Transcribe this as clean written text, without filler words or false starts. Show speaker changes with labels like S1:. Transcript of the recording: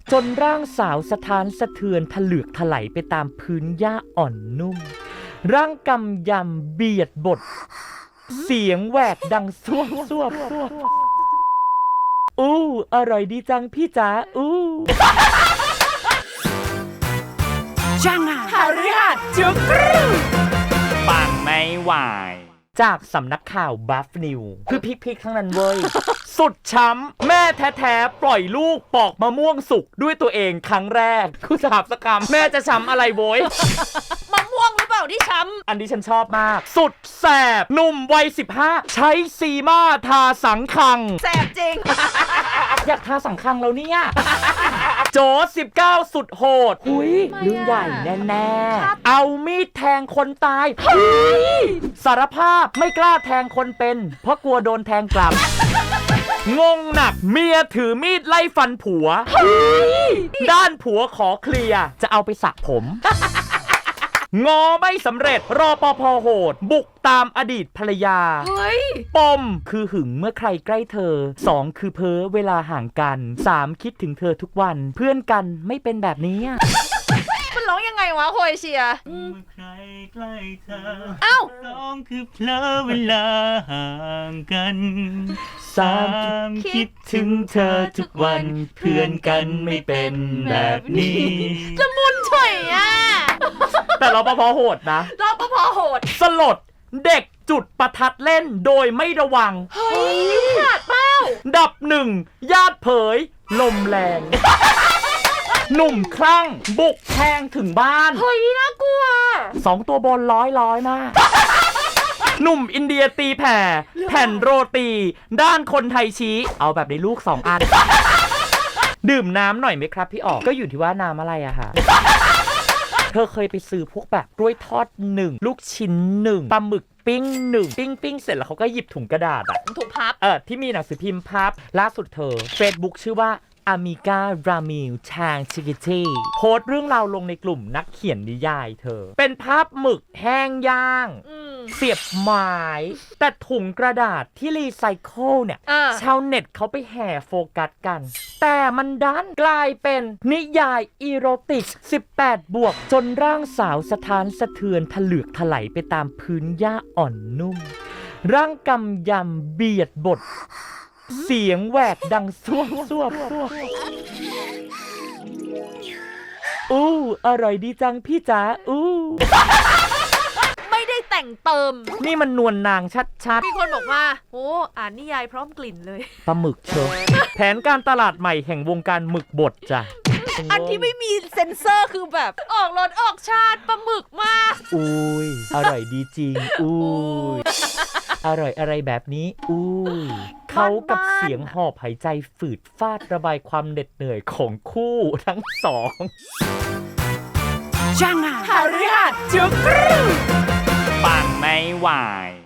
S1: จนร่างสาวสะท้านสะเทือนถลึกถลายไปตามพื้นหญ้าอ่อนนุ่มร่างกำยำเบียดบทเสียงแหวกดังซวบอู้อร่อยดีจังพี่จ๋าอู้
S2: จังอ่ะ
S1: หาริหัดจุกรูปังไม่ไหวจากสำนักข่าวบัฟนิวคือพิกทั้งนั้นเว้ย สุดช้ำแม่แท้ๆปล่อยลูกปอกมะม่วงสุกด้วยตัวเองครั้งแรกคุณสาบสกรรมแม่จะช้ำอะไรโว้ย
S2: มะม่วงหรือเปล่าที่ช้ำ
S1: อันนี้ฉันชอบมาก สุดแสบหนุ่มวัย15ใช้ซีมาทาสังคัง
S2: แสบจริง
S1: อยากทาสังคังแล้วเนี่ย โจ19สุดโหดหุยเรื่องใหญ่แน่ๆเอามีดแทงคนตายสารภาพไม่กล้าแทงคนเป็นเพราะกลัวโดนแทงกลับ งงหนักเมียถือมีดไล่ฟันผัวด้านผัวขอเคลียร์จะเอาไปสระผม งอไม่สำเร็จรปภ.โหดบุกตามอดีตภรรยา
S2: เฮ้ย
S1: ปมคือหึงเมื่อใครใกล้เธอ2คือเพ้อเวลาห่างกัน3คิดถึงเธอทุกวันเพื่อนกันไม่เป็นแบบนี้
S2: มันร้องยังไงวะโคเอเชีย
S3: เมื่อใครใกล้เธอ
S2: เอ้า
S3: 2คือเผลอเวลาห่างกัน
S1: 3คิดถึงเธอทุกวันเพื่อนกันไม่เป็นแบบนี้
S2: จะมุนเฉยอ่ะ
S1: แต่รปภ.โหดนะ
S2: รปภ.โหด
S1: สลดเด็กจุดประทัดเล่นโดยไม่ระวัง
S2: เฮ้ยขาดเป้า
S1: ดับ1ญาติเผยลมแรง หนุ่มคลั่งบุกแทงถึงบ้าน
S2: เฮ้ยน่ากลัว
S1: 2ตัวบนร้อยมาก หนุ่มอินเดียตีแผ่แผ่นโรตีด้านคนไทยชี้เอาแบบในลูก2อัน ดื่มน้ำหน่อยไหมครับพี่ออกก็อยู่ที่ว่าน้ำอะไรอะค่ะ เธอเคยไปซื้อพวกแบบกล้วยทอด1ลูกชิ้น1ปลาหมึกปิ้ง1ปิ้งเสร็จแล้วเขาก็หยิบถุงกระดาษอะ
S2: ถูกพับ
S1: ที่มีหนังสือพิมพ์พับล่าสุดเธอ Facebook ชื่อว่าอามิการามิลชางชิกิตีโพสต์เรื่องราวลงในกลุ่มนักเขียนนิยายเธอเป็นภาพหมึกแห้งย่างเสียบไม้แต่ถุงกระดาษที่รีไซเคิลเนี่ยชาวเน็ตเขาไปแห่โฟกัสกันแต่มันดันกลายเป็นนิยายอีโรติก18บวกจนร่างสาวสะท้านสะเทือนถลึกถลายไปตามพื้นหญ้าอ่อนนุ่มร่างกำยำเบียดบทเสียงแหวกดังซวบอู้อร่อยดีจังพี่จ๋าอู้
S2: ไม่ได้แต่งเติม
S1: นี่มันนวลนางชัด
S2: มีคนบอกว่าโอ้อ่านนิยายพร้อมกลิ่นเลย
S1: ๆปลาหมึกเชอะแผนการตลาดใหม่แห่งวงการหมึกบดจ้ะ
S2: อันที่ไม่มีเซ็นเซอร์คือแบบออกรสออกชาติปลาหมึกมาก
S1: อุ้ยอร่อยดีจริงอุ้ยอร่อยอะไรแบบนี้อุ้ยเขากับเสียงหอบหายใจฝืดฟาดระบายความเหน็ดเหนื่อยของคู่ทั้งสอง
S2: จังอ่ะ
S1: หาริหัดจุกรูปังไม่ไหว